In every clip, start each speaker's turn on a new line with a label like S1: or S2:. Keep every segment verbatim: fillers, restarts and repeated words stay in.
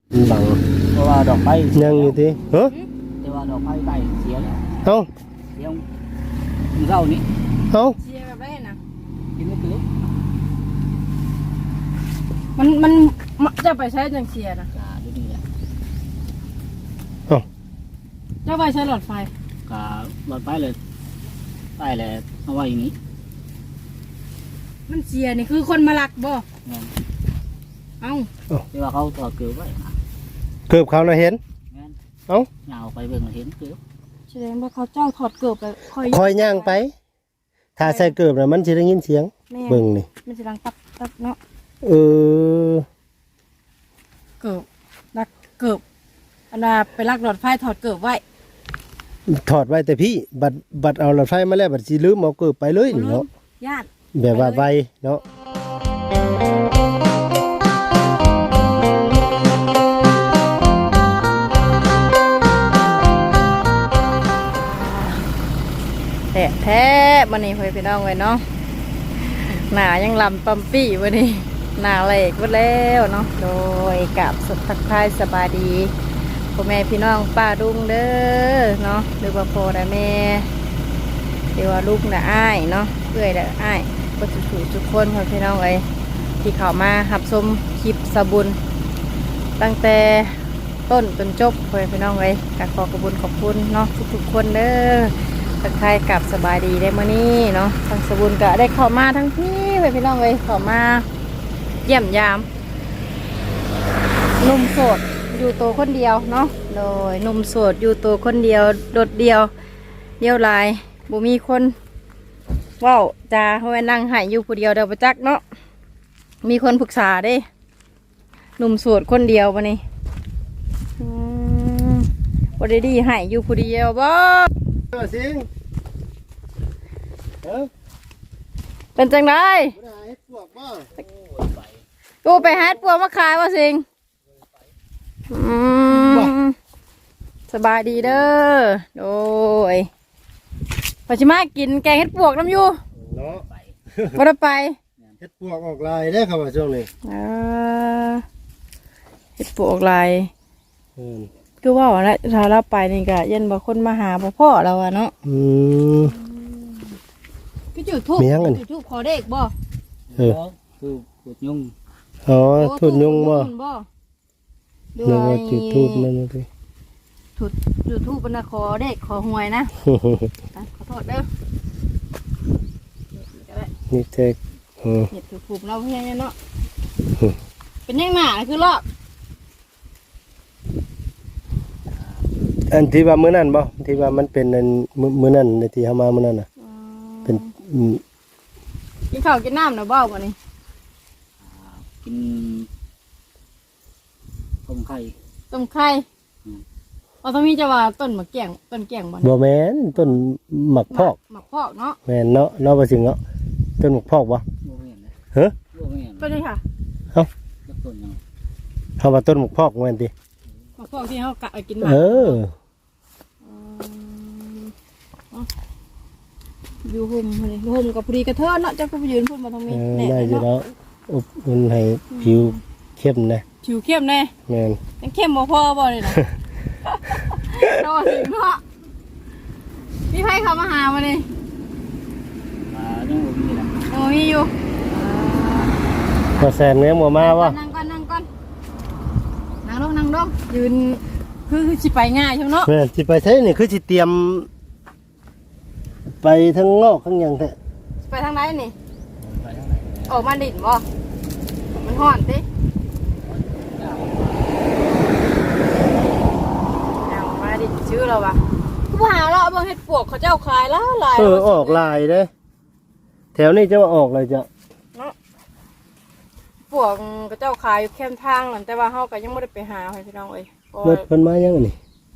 S1: บัง
S2: เพราะว่าดอกไม้
S1: ยังอยู่ที่เฮ้อ
S2: แต่ว่าดอกไม้ใบเสียแล้ว
S1: เอ้า
S2: เสียมึงเล่านี่
S1: เอ้า
S3: เชียร์แบบไรนะ
S2: กินไม่ถึง
S3: มันมันจะไปใช้จังเชียร์นะ
S2: กาดูนี่แหละ
S1: เอ้า
S3: จะไปใช้หลอดไฟ
S2: กาหลอดไฟเลยใต้เลยเอาไว้อย่างนี้
S3: มันเชียร์นี่คือคนมาลักบ่
S2: งั้น
S3: เอ้า
S2: ที่ว่าเขาต่อเกลือไว้นะ
S1: เกือบเขาน่ะเห็น
S2: งั้น
S1: เอ้า
S2: เหงาไปเบิ่งเห็นเกลือ
S3: แสดงว่าเขาเจ้าถอดเกือบไปคอย
S1: คอยย่างไป ถ้าใส่เกือบน่ะมันสิได้ยินเสียงเบิ่งนี่
S3: มันจะดังตับตับเนาะ
S1: เออ
S3: เกือบลักเกือบอันน่ะไปลักหลอดไฟถอดเกือบไว้
S1: ถอดไว้แต่พี่บัดบัดเอาหลอดไฟมาแล้วบัดสิลืมเอาเกือบไปเลยนี่เนาะ
S3: ญาติ
S1: แบบว่าไวเนาะ
S3: แท้แท้วันนี้เพื่อนพี่น้องไว้เนาะหนายังลำปั๊มปี้วันนี้หนาเหล็กวันแล้วเนาะโดยกับสุดทักทายสบายดีพ่อแม่พี่น้องป้าดุงเด้อเนาะหรือว่าพ่อและแม่หรือว่าลูกและอ้ายเนาะเพื่อนและอ้ายก็สุขทุกคนพ่อพี่น้องเอ้ยที่เข้ามาหับชมคลิปสบุญตั้งแต่ต้นจนจบพ่อพี่น้องเอ้ยก็ขอขอบคุณขอบคุณเนาะทุกๆคนเด้อทักทายกับสบายดีได้เมื่อนี้เนาะทางสบุญก็ได้เข้ามาทั้งพี่พ่อพี่น้องเอ้ยเข้ามาเยี่ยมยามหนุ่มโสดอยู่ตัวคนเดียวเนาะโดยหนุ่มโสดอยู่ตัวคนเดียวโดดเดียวเดียวลายบ่มีคนว้าวจ้าเพราะว่านั่งหายอยู่ผู้เดียวเดียวประจักเนาะมีคนปรึกษาเด้หนุ่มโสดคนเดียววันนี้บ่ได้ดีหายอยู่ผู้เดียวบ่
S1: เออสิงเออ
S3: เป็นจังได
S1: บ่ได้ให้พวกบ่
S3: กูไปฮัดปัวมาขายว่าสิงอืมสบายดีเด้อโดยปัจจุบันกินแกงเห็ดปวกน้ำอยู่
S1: เนาะ
S3: บ่ได้ไป
S1: เฮ็ดปวกออกลายได้อครับว่าช่วงนี้
S3: อ่าเห็ดปวกลาย
S1: อืม
S3: คือว่าว่าแล้วถ้าเราไปนี่ก็ยันบ่คนมาหาบ่พ่อเราอะเนาะ
S1: อืม
S3: คือจุดทูบ
S1: มีหยังอันนี้
S3: จุดทูบขอเด็กบ่
S1: เออ
S2: คือปวดยุ่ง
S1: อ๋อทุนยุงบ่
S3: บ่ด้
S1: นึก
S3: ว
S1: ว่าย จุดทูบนั่นน่ะสิ
S3: จุดจุดทูบเป็นนะขอเด็กขอหวยนะอ่ะขอโทษเด้อ
S1: นี่เจ๊กเออ
S3: เห็ดถูกผูกเนาะเพื่อนเนาะเป็นยังหนาคือรอบ
S1: อันที่ว่ามื้อนั้นบ่ที่ว่ามันเป็นอันมื้อมื้อนั้นในที่เฮามามื้อนั้นน่ะเป็นอืม
S3: กินข้าวกินน้ำเนาะบ่วันนี้
S2: กินต้มไข่
S3: ต้มไข่เราต้องมีจะว่าต้นมะแกงต้นแกงบ่
S1: บ่แม่นต้นหมักพอก
S3: หมักพอกเนาะ
S1: แม่นเนาะเนาะบ่ถึงเนาะต้นหมักพอกบ่
S2: โมเมนเลย
S1: เฮ้อ
S2: โมเมน
S3: ต้นนี้ค่ะ
S2: แล้วต้นยัง
S1: เฮาว่าต้นหมักพอกแม่นติ
S3: หมักพอกที่เขากะเอากินหมา
S1: เออ
S3: อยู่ห่มเลยห่มกับพอดีกระเทินเนาะเจ้าก็ไปยืนพูดมาตรง
S1: เอ
S3: นี้
S1: อ
S3: แด
S1: ได้
S3: ด
S1: อยู่
S3: เนาะ
S1: แล้วอบอุ่นให้ผิวเข้มนะ
S3: ผิวเข้มแน่
S1: แม่น
S3: ยังเข้มบ่พอบ่เลยนะเนาะสิเนาะมีไผเข้ามาหามาเลย
S2: มายังบ่มีแหละ
S3: โอ้มีอยู่
S1: พอแซนเนี้ยบ่มาบ่
S3: นั่งก่อนนั่งก่อนนั่งลงนั่งลงยืนคือคือสิไปง่ายใช่ไหมเนาะ
S1: แม่นสิไปใช้นี่คือสิเตรียม ไปทั้งนอกทั้งหยังแท้
S3: ไปทางไหนนี่
S2: ไปทางไหน
S3: ออกมาดินบ่มันห่อนติเอามาดินชื่อเราปะกูหาเราเอาเบิ่งเฮ็ดปวกเขาเจ้าขายแล้วหลาย
S1: เออออกลายเด้แถวนี้จะว่าออกเลยจ้ะ
S3: ปวกเขาเจ้าขายอยู่แคมทางนั่นแต่ว่าเฮาก็ยังบ่ได้ไปหาให้พี่น้องเอ้ยเพราะ
S1: เบิ
S3: ว่า
S1: ดเพิ่นมายังอันนี้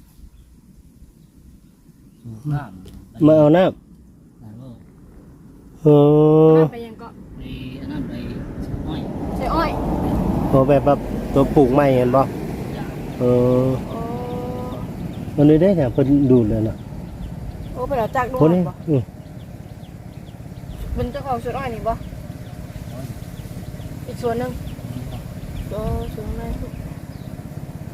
S2: น้ำ
S1: มาเอาน้ำ
S2: น้ำ
S1: เออ
S3: ไปยังก็
S2: ไปอันนั้นไปอ้อย
S3: ใช่อ้อย
S1: พอแบบแบบตัวปลูกใหม่เห็นบ่เออ
S3: โอ้
S1: มันนี่ได้แถวเพิ่นดูดเลยน่ะ
S3: โอ้ไปแล้วจักดู
S1: คนนี้
S3: บ่
S1: อือ
S3: เป็นเจ้าของสวนอ้อยนี่บ่อีกสวนหนึงโอ้สวนอะไร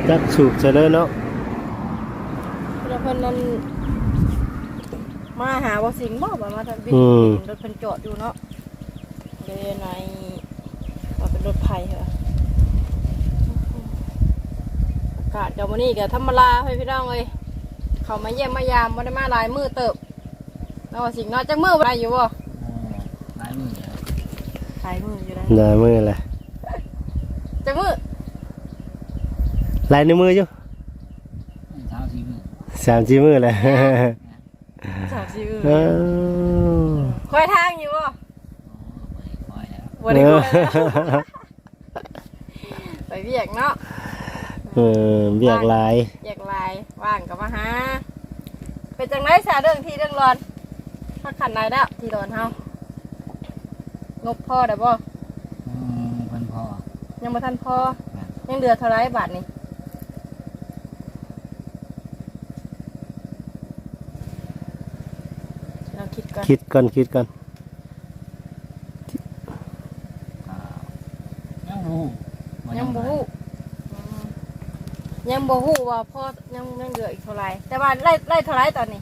S1: จักสูบซะเลยเนาะ
S3: แล้วเพิ่นนั้นมาหาบ่สิงบ่ว่ามาทางบินรถเพิ่นจอดอยู่เนาะเดในว่าเป็นรถไผเหรออากาศเดี๋ยวมื้อนี้ก็ธรรมดาให้พี่น้องเอ้ยเขามาเยี่ยมมายามบ่ได้มาหลายมื้อเติบแล้วว่าสิงเนาะจักมื้อบ่ได้อยู่บ่
S2: หลายมือ
S3: หลายมื้ออยู่ได้
S1: ได้มือแหละ
S3: จักมื้อ
S1: ลายในวมืออยู่
S2: เช้าสี่มือ
S1: สามสี่มือแหละ
S3: สามสี่มื้อ
S1: เออ
S3: คอยทางอยู่บ่
S2: คอยแล้ว
S3: บ่ได้คอยแล้วไปเวียกเนาะ
S1: เออเบียกหลาย
S3: อยากลายว่างก็มาหาเป็นจังไรสาเรื่องที่เรื่องร้อนถ้าขันได้แล้วที่ร้อนเฮางบพ่อได้บ่
S2: อืมเพิ่นพอ
S3: ยังบ่ทันพอยังเหลือเท่าไรบาทนี่เราคิดก่อน
S1: คิดก่อนคิดก่อน
S2: ก็ยังรู้
S3: ยังบ่ฮู้อืมยังบ่ฮู้ว่าพ่อยังยังเหลืออีกเท่าไรแต่ว่าไล่ไล่เท่าไรตอนนี้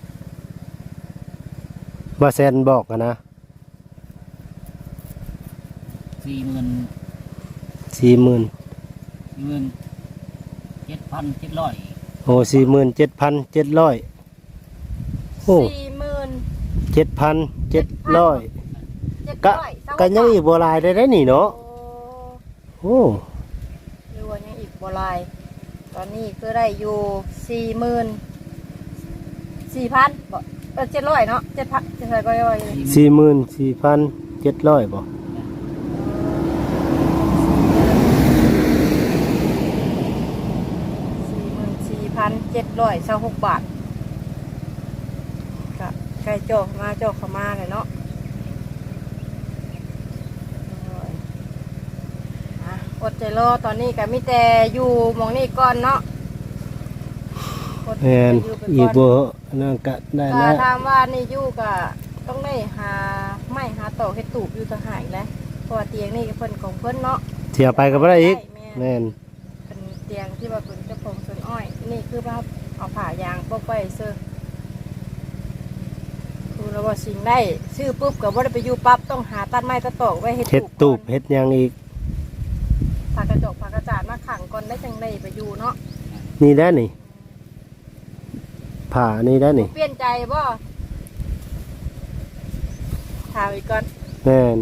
S1: ว่าแซนบอกกันนะ
S2: สี่หมื่น
S1: สี่หมื่น
S2: สี่หมื่นเจ็ดพันเจ็ดร้อย
S1: โอ้สี่หมื่นเจ็ดพันเจ็ดร้อยโอ้
S3: สี่หมื่น
S1: เจ็ดพันเจ็ดร้อย
S3: เจ็ด
S1: ก็
S3: ร้อยเศร้า
S1: ก็ยังอีกบัวลายได้ได้นี่เนาะ
S3: โอ้
S1: โอ้
S3: หรือว่ายังอีกบ่หลาย ตอนนี้คือได้อยู่สี่หมื่นสี่พันบ่เออเจ็ดร้อยเนาะเจ็ดพันเจ็ดร้อยก็ย่อยเลย
S1: สี่หมื่นสี่พันเจ็ดร้อยบ่
S3: สี่หมื่นสี่พันเจ็ดร้อยเศร้าหกบาทก็ใกล้โจกมาโจกเข้ามาเลยเนาะโอ้ยอ่ะอดใจรอตอนนี้ก็มีแต่อยู่หมองนี่ก่อนเนาะอดใจ
S1: แม่น
S3: อยู่ไป
S1: อีก
S3: ก่อน
S1: บ่นั่นก็ได้
S3: ถ้า
S1: แล้ว
S3: ถามว่านี่อยู่ก็ต้องได้หาไม้หาต่อให้ตูบอยู่ต่างหากแล้วเพราะว่าเตียงนี่ก็เพิ่นของเพิ่นเนาะ
S1: เที่ยวไปก็บ่ได้อีก
S3: แม่
S1: แม่น
S3: เป็นเตียงที่ว่าเป็นเจ้าของสวนอ้อย นี่คือว่าเอาผ่ายางปกไว้เสื้อคือเราว่าสิ่งได้ซื้อปุ๊บก็บ่ได้ไปอยู่ปั๊บต้องหาตัดไม้ตัดตอกไว้ให้
S1: เฮ็ด
S3: ก่
S1: ตู
S3: อบ น
S1: เฮ็ดหยังอีก
S3: ผ่ากระจกผ่ากระจาดมาขังก่อนได้จังได้ไปอยู่เนาะ
S1: นี่ได้นี่ผ่านี่ได้นี่
S3: เปลี่ยนใจบ่ถามอีกก่อน
S1: แม่น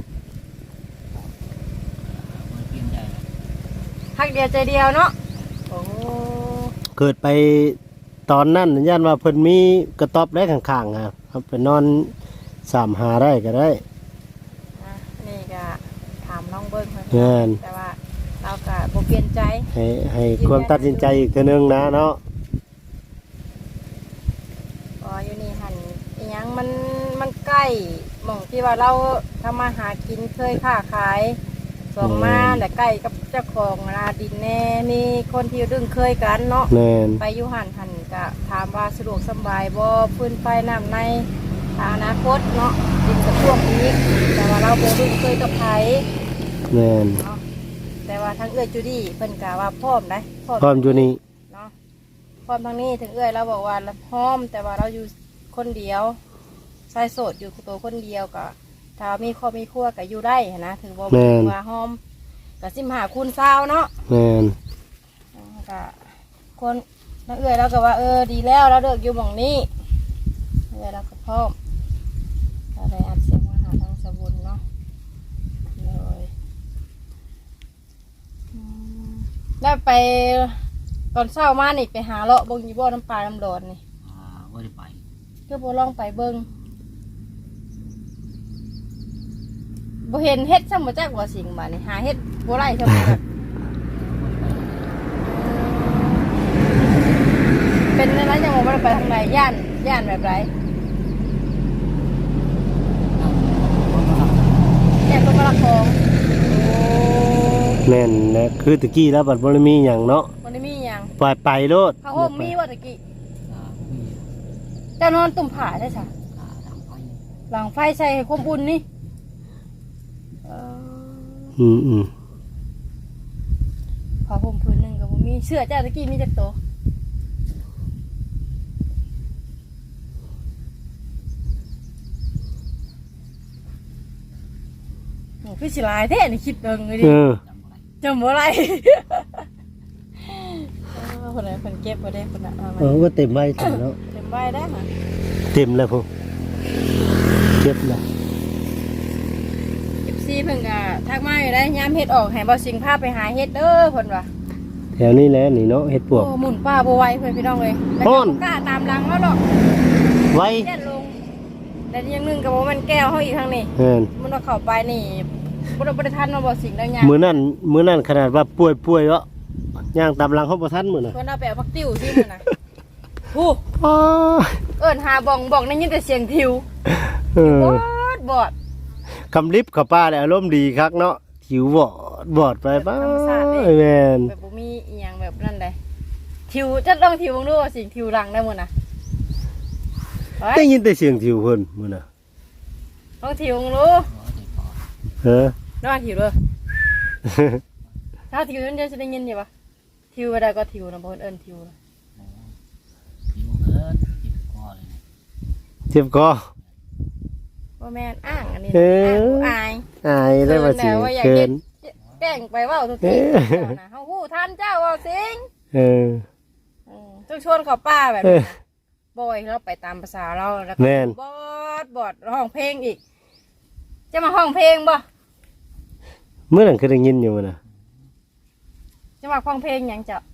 S2: มันเปลี่ยนใจแล้ว
S3: ฮักเดียวใจเดียวเนาะโอ้
S1: เกิดไปตอนนั้นย่านว่าเพิ่นมีกระต๊อบได้ข้างๆครับไปนอนสามหาได้ก็ได้
S3: นะนี่ก็ถามน้องเบิ้งเพิ่น
S1: แม่น
S3: แต่ว่าเราก็บ่เปลี่ยนใจ
S1: ให้ให้ความตัดสินใจอีกเทื่อนึงนะเนาะ
S3: อ๋ออยู่นี่หันอีหยังมันมันใกล้หม่องที่ว่าเราทำมาหากินเคยค้าขายสองมาแต่ใกล้กับเจ้าของนาดินแน่มีคนที่ดึงเคยกันเนาะ
S1: แม่น
S3: ไปอยู่หันหันก็ถามว่าสะดวกสบายบ่พื้นไฟน้ำในทางอนาคตเนาะดินกระท่วมอีกแต่ว่าเราบ่ดึงเคยกับไผ
S1: แม่น
S3: เนาะแต่ว่าทั้งเอื้อยจูดี้เพิ่นกะว่าพร้อมได้
S1: พร้อมอยู่นี่
S3: เนาะพร้อมทั้งนี้ถึงเอื้อยเราบอกว่าเราพร้อมแต่ว่าเราอยู่คนเดียวชายโสดอยู่ตัวคนเดียวก็ถ้ามีครอบมีครัวก็อยู่ได้หั้นนะถือว่า
S1: แม่น
S3: ว่าหอมก็สิมหาคุณเศร้าเนาะ
S1: แม่น
S3: ก็คนนักเอื้อยเราก็ว่าเออดีแล้วเราเลิกอยู่หม่องนี้เอื้อยเราก็พร้อมเราได้อัดเสียงมาหาทางสะบุญเนาะเลยอืมแล้วไปตอนเช้ามานี่ไปหาเลาะบงยีบ่อน้ำปลาน้ำร้อนนี่
S2: อ่าบ่ได้ไป
S3: ก็บ่ลองไปเบิ่งบ่เห็นเฮ็ดซ้ำบ่จักว่าสิ่งบาดนี่หาเฮ็ดบ่ไร่ซ้ำบ่จักเป็นอะไรจังบ่ได้ไปทางใดย่านย่านแบบไรย่านคนมาละของโอ้
S1: แม่นนะคือตะกี้แล้วบัดบ่ได้มีหยังเนาะ
S3: บ่ได้มีหยัง
S1: ไปไปโลด
S3: ผ้าห่มมีว่าตะกี้
S2: อ่ามี
S3: เจ้านอนตุ่มผ้าได้ซะ
S2: อ่าทางไป
S3: หลังไฟใส่ให้ความอุ่นนี่เออ
S1: อืมอืม
S3: ผ้าห่มผืนหนึงก็บ่มีเสื้อเจ้าตะกี้มีจักตัวโอ้คือสิหลายแท้นี่คิดเบิ่งเลยดิ
S1: เออ
S2: จำบ่ได้
S3: จำบ่ไร คนไหนคนเก็บบ่ได้คนน่ะเอามา
S1: เออก็เต็มใบถึงแล้ว
S3: เต็มใบได้ค่ะ
S1: เต็มแล้วพวกเก็บแล้ว
S3: เอฟซีเพิ่นก็ทักมาอยู่ได้ยามเฮ็ดออกให้บ่สิงพาไปหาเฮ็ดเด้อเพิ่นว่า
S1: แถวนี้แหละนี่เนาะเฮ็ดปวก
S3: โอ้หมุนป้าบ่ไหวเพิ่นพี่น้องเอ้ยแล้ว
S1: ฮ้
S3: ก็
S1: อน
S3: บ่กล้าตามหลังแล้วดอก
S1: ไว้
S3: แย่นลงแต่อย่างหนึงก็บ่แม่นแก้วเฮาอีกทางนี้
S1: เอิ้น
S3: มันว่าเข้าไปนี่บ่ได้บ่ได้ทันว่าบ่สิงได้ยาม
S1: มื้อนั้นมื้อนั้นขนาดว่าป่วยๆเนาะย่างตามหลังเขาบ่ทันมื้อน่ะ
S3: เพิ่นเอาไปเอาผักติ้วซิมื้อน่ะฮู้
S1: อ๋อ
S3: เอิ้นหาบ้องบ้องได้ยินแต่เสียงทิว
S1: เออบ
S3: อดบอด
S1: คำลิบกับป้าเนี่ยอารมณ์ดีคักเนาะหิวบอดบอดไปป้าแม่น
S3: แบบบ่มีอีหยังแบบนั้นได้ทิวจะต้องทิวเบิ่งดูว่าสิงทิวรังได้มื้อน่ะเฮ้
S1: ได้
S3: ย
S1: ยินแต่เสียงหิวเพิ่นมื้อน่ะ
S3: ต้องทิวเบิ่งดู
S1: เออ
S3: น้องทิวเด้อ ถ้าทิวมันจะได้ยินอยู่ปะทิวไปได้ก็ทิวนะบ่เอิ้นทิวนะ
S2: ผิวเอิ้นผิวก้อนเลย
S1: เจ็บคอ
S3: บ่แม่นอ้างอันนี้
S1: เอ
S3: นะ
S1: อ
S3: อ้างอาย
S1: อายได้ว่าสิ
S3: เอออยาก
S1: เกิ
S3: เฮ็
S1: น
S3: ดแกล้งไปเว้าทุกที
S1: เออ
S3: เจ้าน่ะเฮาฮู้ทันเจ้าเว้าสิง
S1: เออ
S3: อืมต้องชวนเขาป้าแบบ
S1: เอ
S3: นี้
S1: อ
S3: นะบ่อยเราไปตามภาษาเราแล้วก็
S1: แม่น
S3: บอดบอดร้องเพลงอีก จะมาห้องเพลงบ่
S1: เมื่อนั้นคือได้ยินอยู่มื้อน่ะ
S3: จะมาห้องเพลงหยังเจ้า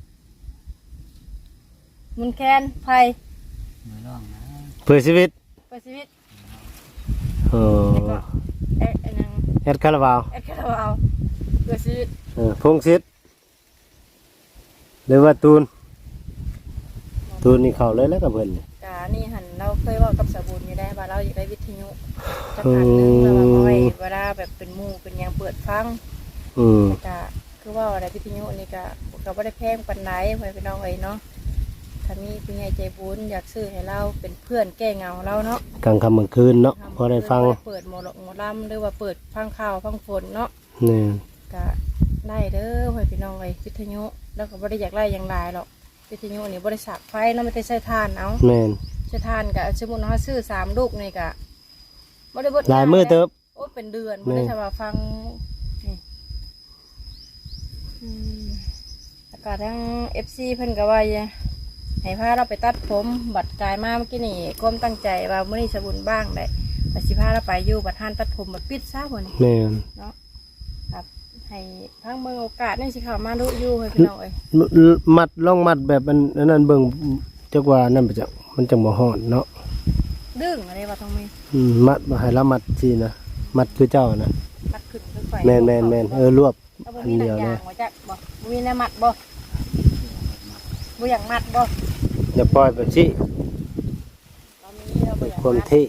S3: มุนแคน ไผ
S2: มือร่องนะ
S1: เพื่อชีวิต
S3: เปิดชีวิต
S1: เออ
S3: แล้วก็เอ๊ะอันยัง
S1: แอดคาราบาว
S3: แอดคาราบาวเปิดชีวิต
S1: เออพงศิษฐ์หรือว่าตูนตูนนี่เข้าเลยแล้วกับเพิ่นนี่
S3: กานี่หันเราเคยเว่ากับสาวบุญอยู่ได้ว่าเราอยากได้วิทยุจะผ่านหนึงแล้วว่าน้อยเวลาแบบเป็นหมู่เป็นหยังเปิดฟัง
S1: อืม
S3: แล้วก็คือว่าอะไรวิทยุนี่ก็ก็บ่ได้แพงปานใดไว้พี่น้องเอ้ยเนาะถ้ามีผู้ใหญ่ใจบุญอยากซื้อให้เราเป็นเพื่อนแก้เหงาเราเนาะ
S1: กลางค่ำกลางคืนเนาะพอได้ฟัง
S3: เปิดหมอลหมอลำหรือว่าเปิดฟังข่าวฟังฝนเนาะ
S1: นี่
S3: ก็ได้เด้อไว้พี่น้องเอ้ยวิทยุแล้วก็บ่ได้อยากไล่อย่างไรหรอกวิทยุนี่บ่ได้สากไฟเนาะไม่ได้ใช้ถ่านเอา
S1: แม่น
S3: ใช้ถ่านก็สมมุติว่าซื้อสามลูกนี่ก็บ่ได้เบิด
S1: หลายมื้อเติบ
S3: โอ้เป็นเดือนบ่ได้
S1: แม่
S3: ใช่ว่าฟังนี่อืมแล้วก็ทั้ง เอฟ ซี เพิ่นก็ว่าอย่าให้พาเราไปตัดผมบัดกายมาเมื่อกี้นี่ก้มตั้งใจว่ามื้อนี้สบุญบ้างได้แต่สิพาเราไปอยู่บัดท่านตัดผมบัดปิดซะพุ่นนี่
S1: แม่น
S3: เนาะครับให้พังเบิ่งโอกาสนี่สิเข้ามาดูอยู่ให้พี่น้องเอ้ย
S1: มัดล่องมัดแบบอันอันนั้นเบิ่งจักว่านั่นไปจักมันจังบ่ฮ้อนเนาะ
S3: ดึงอะไรว่าต้องมี
S1: อืมมัดบ่ให้ละมัดสินะมัดคือเจ้านะ
S3: มัดขึ้นคือไฟ
S1: แม่นแม่นแม่นเออรวบ
S3: แล้วบ่
S1: อัน
S3: มีหนั
S1: เดี
S3: ง
S1: ยวเลย
S3: ยางบ่จักบ่บ่มีแนวมัดบ่บ่อยากมัดบ่
S1: อย่าปล่อยแบบนี้
S3: เรามีเราบ่
S1: เป็น
S3: อยาก
S1: คน
S3: มัด
S1: ที่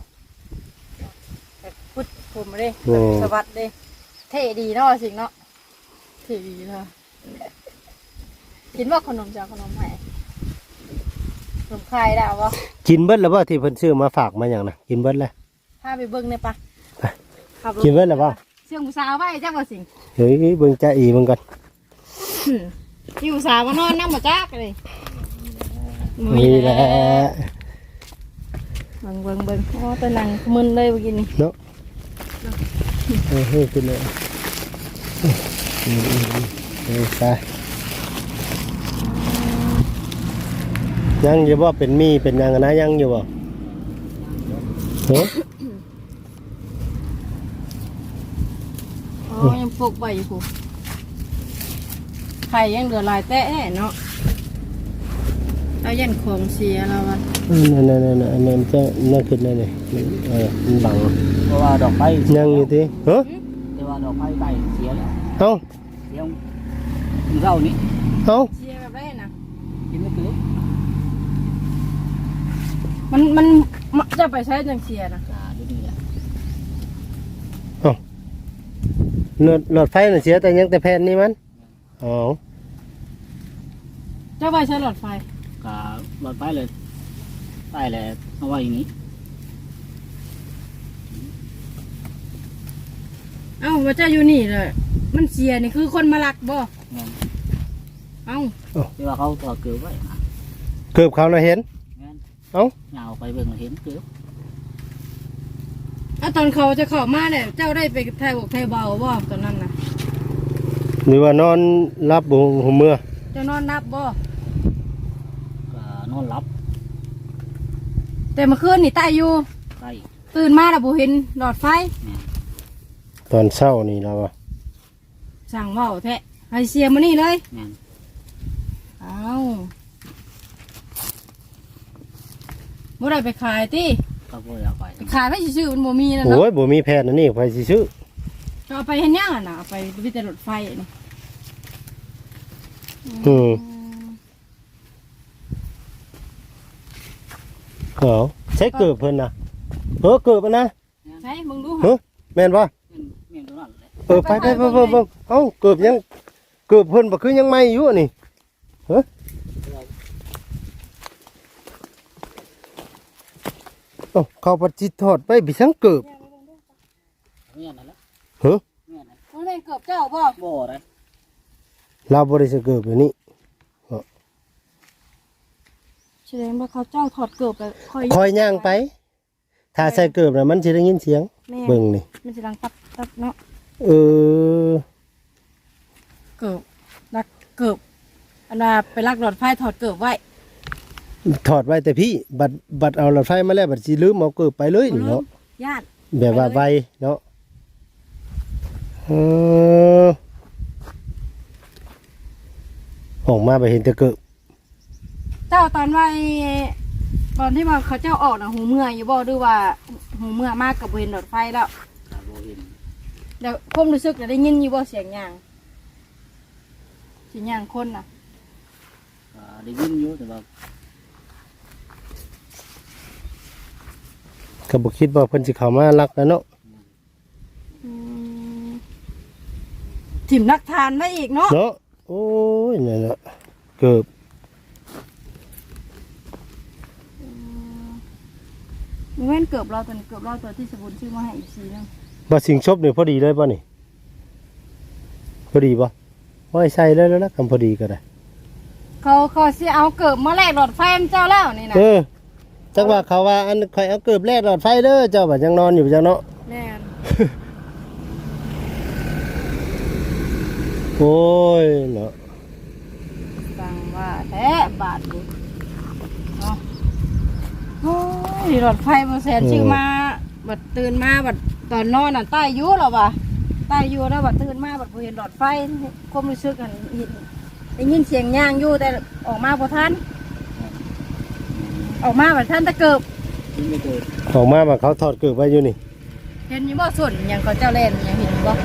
S3: แบบพุดผมเด้
S1: แม่
S3: แบบสวัสดเด้เท่ดีเนาะสิงเนาะเท่ดีเนาะกินว่าขนมจะเอาขนมให้ขนมคลายได้บ่
S1: กินเบิดแล้วบ่ที่เพิ่นซื้อมาฝากมาหยังน่ะกินเบิดแล้ว
S3: พาไปเบิ่งได้ปะขับรถ
S1: กินเบิดแล้วบ่
S3: เชื่องผู้สาวไว้จักว่าสิง
S1: เฮ้ยเบิ่งจ้าอีเบิ่งก่อน
S3: มีผู้สาวมานอนนั่งบ่จักเลย
S1: นี่แหละ
S3: เบิ่งเบิ่งเบิ่งโอ้ตัวหนังมึนเลยเมื่อกี้นี่
S1: เนาะเออเฮ้ยขึ้นเลยอืมอืมอืมเออไปยังอยู่บ่เป็นมีเป็นหยังอะนะยังอยู่บ่เฮ้ย
S3: อ๋อยังปลูกใบอยู่ผู้ไข่ยังเหลือหลายแตะแน่เนาะเอายันของเสียแล้ววะ
S1: นั่นนั่นนั่นอันนั้นจะนั่นขึ้นได้เลยเออมันบัง
S2: เพราะว่าดอกไม้
S1: ยังอยู่ที่เฮ้ย
S2: แต่ว่าดอกไม้ใบเสียแล้ว
S1: เอ้า
S2: เสียถึงเท่านี้
S1: เอ้า
S3: เสียแบบไรนะ
S2: กินไม่ถึง
S3: มันมันมันจะไปใช้จังเสียนะ
S2: กาดูนี่แหละ
S1: หลอดหลอดไฟน่ะเสียแต่ยังแต่แผ่นนี่มันอ๋อ
S3: เจ้าไปใช้หลอดไฟ
S2: กาหลอดไฟเลยใต้เลยเอาไว้อย่างนี้
S3: เอ้าว่าเจ้าอยู่นี่เลยมันเสียนี่คือคนมาลักบ่
S2: แม่น
S3: เอ้า
S2: ที่ว่าเขาตัวเกลือไว้นะ
S1: เกือบเขาน่ะเห็น
S2: แม่น
S1: เอ้า
S2: เหงาไปเบิ่งเห็นเกลือ
S3: เอาตอนเขาจะเข้ามาเนี่ยเจ้าได้ไปไทยบอกไทยเบาบ่ตอนนั้นน่ะ
S1: หรือว่านอนรับบ่หัวเมื่อ
S3: เจ้านอนนับบ่
S2: ก็นอนหลับ
S3: แต่เมื่อคืนนี่ตายอยู่
S2: ใกล้
S3: ตื่นมาแล้วบ่เห็นหลอดไฟ
S2: แม่น
S1: ตอนเช้านี่เราอะ
S3: สั่งเว้าแท้ให้เสียมานี่เลย
S2: แม่น
S3: เอ้าบ่ได้ไปขายติ
S2: ก็บ่อยากไป
S3: ขายไปซื่อๆมันบ่มีนะ
S1: โอ้
S3: เนาะ
S1: ยบ่มีแพทย์นะนี่ไปสิซื้อ
S3: จะเอาไปเฮ็ดหยังอ่ะน่ะเอาไปวิแต่รถไฟนี่
S1: อืมเอาใช้เกือบเพิ่นน่ะเออเกือบอะนะ
S3: ใช่มึงดู
S1: เฮ้ยแม่นบ่
S2: แม่นแม่นตัวนั้นแหละ
S1: เออไปไปไปไปไปเอ้าเกือบยังเกือบเพิ่นบ่คือยังไม่อยู่อะนี่เฮ้ยเอ้าเขาปฏิทอดไปบิสังเกือบ
S2: แม่นนั่นแหละ
S1: เฮ้ย
S2: แม่นนั่น
S3: มันเป็นเกือบเจ้าบ่
S2: บ่ได้
S1: เราบ่ได้สิเกือบแบบนี้
S3: แสดงว่าเขาเจ้าถอดเกือบไปค่อย
S1: คอยย่างไป ถ้าใส่เกือบน่ะมันสิได้ยินเสียง
S3: แม่
S1: เบิ่งนี่
S3: มันสิดังตับตับเนาะ
S1: เออ
S3: เกือบลักเกือบอันน่ะไปลักหลอดไฟถอดเกือบไว้
S1: ถอดไว้แต่พี่ บัดบัดเอาหลอดไฟมาแล้วบัดสิลืมเอาเกือบไปเลยนี่เนาะ
S3: ญาติ
S1: แบบว่าไวเนาะเออออกมาไปเห็นแต่เกือบ
S3: เจ้าตอนไว้ตอนที่ว่าเขาเจ้าออกน่ะหูเมื่อยอยู่บ่หรือว่าหูเมื่อยมากกับเห็นหลอดไฟแล้ว
S2: ก็บ่เห็น
S3: เดี๋ยวผมรู้สึกจะได้ยินอยู่บ่เสียงยางเสียงยางคนน่ะ
S2: ก็ได้ยินอยู่แต่ว่า
S1: ก็บ่คิดว่าเพิ่นสิเข้ามาลักแล้วเนาะ
S3: อืมถิ่มนักทานไว้อีกเนาะ
S1: เนาะโอ้ยนั่นน่ะเกือบ
S3: มันเว้นเกือบเราตัวนี้เกือบเราตัวที่สมบูรณ์ชื่อมาให้อีกทีนึง
S1: บ่สิงชบนี่พอดีเลยบ่นี่พอดีบ่ว่าให้ใส่เลยแล้วนะคำพอดีก็ได้
S3: เขาเขาสิเอาเกือบมาแลกหลอดไฟมันเจ้าแล้วนี่นะ
S1: เออจังว่าเขาว่าอันข่อยเอาเกือบแลกหลอดไฟเด้อเจ้าบัดยังนอนอยู่จังเนาะ
S3: แน่น
S1: โอ้ยเนาะ
S3: ฟังว่าแท้บาทดูเนาะโอ้ยหลอดไฟมาแสนชื่อมาบัดตื่นมาบัดตอนนอนน่ะใต้อยูหรอวะใต้อยูแล้วบัดตื่นมาบัดบ่เห็นหลอดไฟความรู้สึกกันเห็นได้ยินเสียงย่างอยู่แต่ออกมาพอทันออกมาบัดท่านตะเกิบ
S2: ยินไม่เกิด
S1: ออกมาว่าเขาถอดเกือบไว้อยู่นี่
S3: เห็นอยู่บ่ส่วนอย่างเขาเจ้าเล่นอย่างเห็นบ่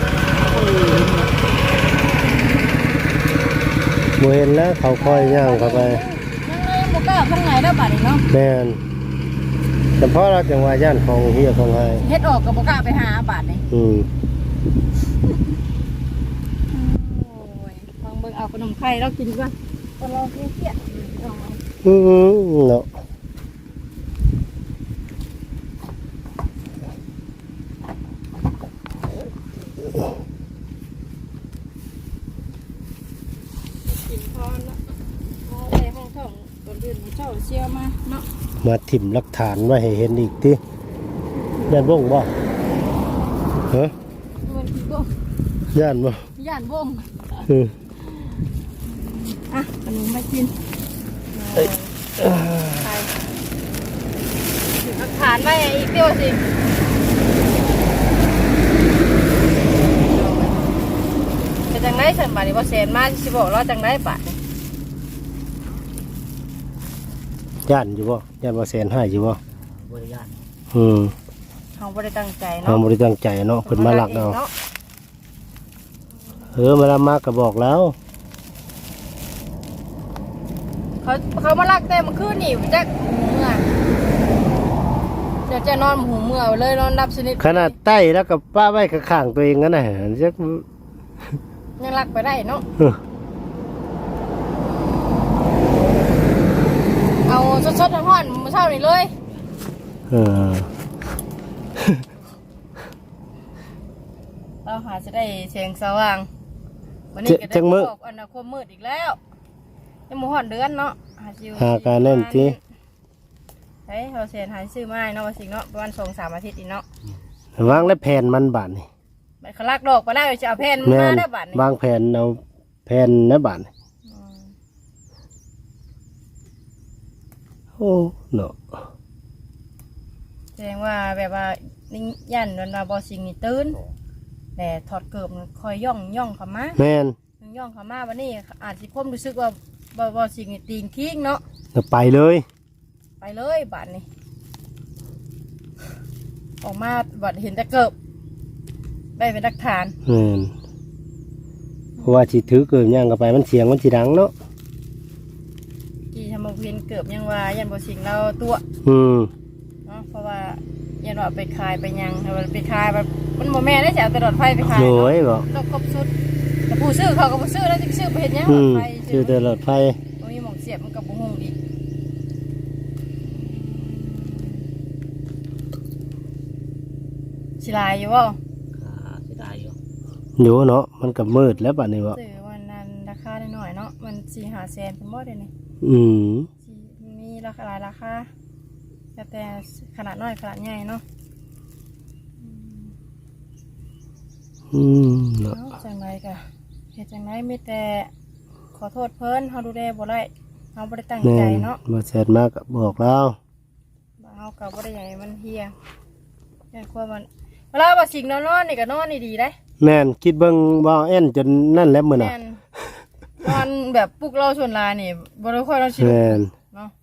S1: บ่เห็นแล้วเขาคอยย่างเข้าไป
S3: ยังไงบ่กล้าข้างในแล้วบัดนี้เนาะ
S1: แม่นแต่เพราะเราจังว่าย่านของเฮียของไห้
S3: เฮ็ดออกก็บ่กล้าไปหาบาดนี่
S1: อืม
S3: โอ้ยลองเบิ่งเอาขนมไข่เรากินก่อนตอนเราเกี้ยๆเอามา
S1: อืมเนาะ
S3: กินพอเนาะเอาไปห้องท่องก่อนอื่นเจ้าเชียวมาเนาะ
S1: มาถิ่มหลักฐานไว้ให้เห็นอีกติย่านวงบ่ฮะ
S3: มันกินบ่
S1: ย่านบ่
S3: ย่านวง
S1: เออ
S3: อ่ะขนมมากิน
S1: เอ้ย
S3: ไปถึงหลักฐานไว้อีกเดียวสิเป็นจังได๋ซั่นบาดนี้บ่แสนมาสิบอกเราจังได๋บาดนี้
S1: ย่านอยู่บ่ย่านว่าแสนห้าอยู่บ่
S2: บ่ได้ย่าน
S1: อืม
S3: เฮาบ่ได้ตั้งใจ
S1: เรา
S3: เนาะ
S1: บ่ได้ตั้งใจเนาะเพิ่นมาลักเอา
S3: เนาะ
S1: เออมาละมาก็บอกแล้ว
S3: เขาเขามาลักแต่เมื่อคืนนี่จักหูเมื่อจะจะนอนหูเมื่อเลยนอนรับสนิท
S1: ขนาดใต้แล้วก็ป้าไว้ข้างๆตัวเองนั่นน่ะจัก
S3: ยังลักไปได้เนาะ
S1: เออ
S3: เอาสดๆร้อนๆมื้อเช้านี่เลย
S1: เออ
S3: เราหาจะได้แสงสว่างวันนี้ก็ได้บอกอันนาคตมืดอีกแล้วยังบ่ฮอดเดือนเนาะหาซิว
S1: หาการนั่นติ
S3: เฮ้ยเราเสียหายซื้อมาเนาะว่าสิเนาะประมาณสองสามอาทิตย์อีกเนาะ
S1: วางและแผ่นมันบาดนี่
S3: มันขลักดอกไปแล้วจะเอาแผ่น
S1: แม่
S3: มาน ได้บัดนี้
S1: วางแผ่นเอาแผ่นนะบาดนี่
S3: อืม
S1: โอ้เนาะ
S3: แสดงว่าแบบว่านี่ยันวันว่าบ่สิงนี่ตื่นแต่ถอดเกิบมันคอยย่องย่องเข้ามา
S1: แม่น
S3: ย่องเข้ามาวันนี้อาจสิคมรู้สึกว่าบ่บ่สิงนี่ตีนทิ้งเนาะ
S1: ก็ไปเลย
S3: ไปเลยบัดนี้ออกมาบัดเห็นแต่เกิบได้เป็นหลักฐาน
S1: แม่นเพราะว่าสิถือเกินย่างก็ไปมันเสียงมันสิดังเนาะ
S3: ที่ทำมาเพียนเกิบยังว่ายันบ่สิงเราตัว
S1: อืม
S3: เนาะเพราะว่ายันว่าไปขายไปยังเอาไปขายแบบมันโมแม่ได้จะเอาแต่หลอดไฟไปขาย
S1: โห
S3: เนาะ
S1: ยบ่
S3: ต้องครบสุดแต่ผู้ซื้อเขาก็ผู้ซื้อแล้วจะซื้อไปเห็นยังห
S1: อื
S3: ลอด
S1: ม
S3: ไฟ
S1: ชื่อแต่หลอดไฟ
S3: ตรงนี้หมองเสียบมันกับบุ้งอีกสิลายอยู่บ่
S2: อ่าเสียดายอยู่
S1: อยู่เนาะมันก็มืดแล้วบัดนี้บ่
S3: ซื้อวันนั้นราคาได้หน่อยเนาะมันสี่ห้าแสนเป็นบ่ได้นี่
S1: อืม
S3: สิมีราคาหลายราคาแต่แต่ขนาดน้อยขนาดใหญ่เนาะ
S1: อืมเนาะ
S3: เนาะจังไรกะเหตุจังไรมีแต่ขอโทษเพิ่นเฮาดูแลบ่ได้เฮาบ่ได้ตั้ง
S1: แม่
S3: ใจ
S1: น
S3: เนาะ
S1: มาแซดมาก็บอกแล้ว
S3: เฮาก็บ่ได้ใหญ่มันเฮียแม่นความันเวลาว่าสิ่งนอนๆนี่ก็นอนนี่ดีได้
S1: แม่นคิดเบิ่งว่าแอ่นจนนั่นแล้วมื้อน่ะ
S3: แม่นนอนแบบปลุกเราส่วนลายนี่บ่ได้ค่อยนอนชิล
S1: แม่น
S3: เนาะ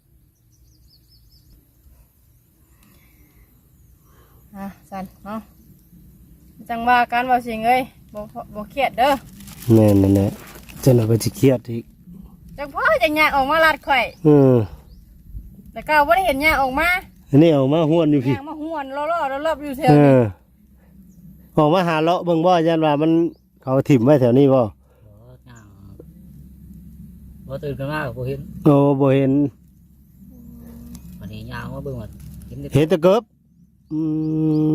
S3: อ่ะสั่นเนาะจังว่าการว่าสิ่งเอ้ยบ่บ่เครียดเด้อ
S1: แม่นนั่นแหละจนเอาไปสิเครียดอีก
S3: จังพ่อจังยากออกมาลัดข่อย
S1: อือ
S3: แต่ก็บ่ได้เห็นยากออกมา
S1: อันนี้เอามาห้วนอยู่พี่
S3: ยากมาห้วนล้อๆรอบๆอยู่แถว
S1: เอ
S3: นี้
S1: อออกมาหาเลาะเบิ่งบ่ยันว่ามันเขาถิ่มไว้แถวนี้บ่
S2: บ่ย่างบ่ตื่นกันมากบ่เห็น
S1: โอ้บ่เห็น
S2: วันนี้ย่างมาเบิ่งว่าเห็นแต่
S1: เห็นแต่เกิบอืม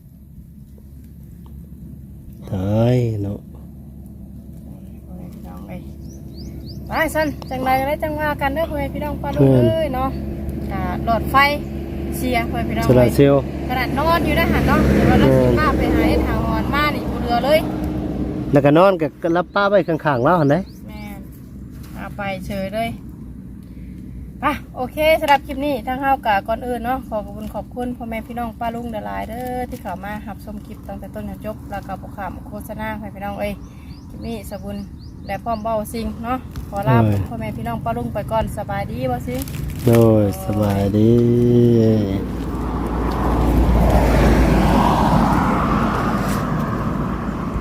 S1: ตายเนาะ
S3: พี่น้องเอ้ยไปสั้นจังไรไรจังว่ากันเด้อพ่อแม่พี่น้องปลาลูกเอ้ยเนาะอ่าหลอดไฟเสียพ่อแม่พี่น้อง
S1: สลา
S3: เอ้ย
S1: เซลล
S3: ขนาดนอนอยู่นะหันเนาะเดี๋ยวเราสิมาไปหาเอ็ดหาหอนมานี่บ่เรือเลย
S1: แล้วก็นอนกับรับป้าไว้ข้างๆแล้วหั่นเด้
S3: แม่นเอาไปเฉยเลยไปโอเคสำหรับคลิปนี้ทางเฮากะก่อนอื่นเนาะขอขอบคุณขอบคุณพ่อแม่พี่น้องป้าลุงหลายๆเด้อที่เข้ามารับชมคลิปตั้งแต่ต้นจนจบแล้วก็บ่ข้ามโฆษณาให้พี่น้องเอ้ยคลิปนี้สบุญและพร้อมเบ้าสิ่งเนาะขอลาพ่อแม่พี่น้องป้าลุงไปก่อนสบายดีบ่สิ
S1: โดยสบายดี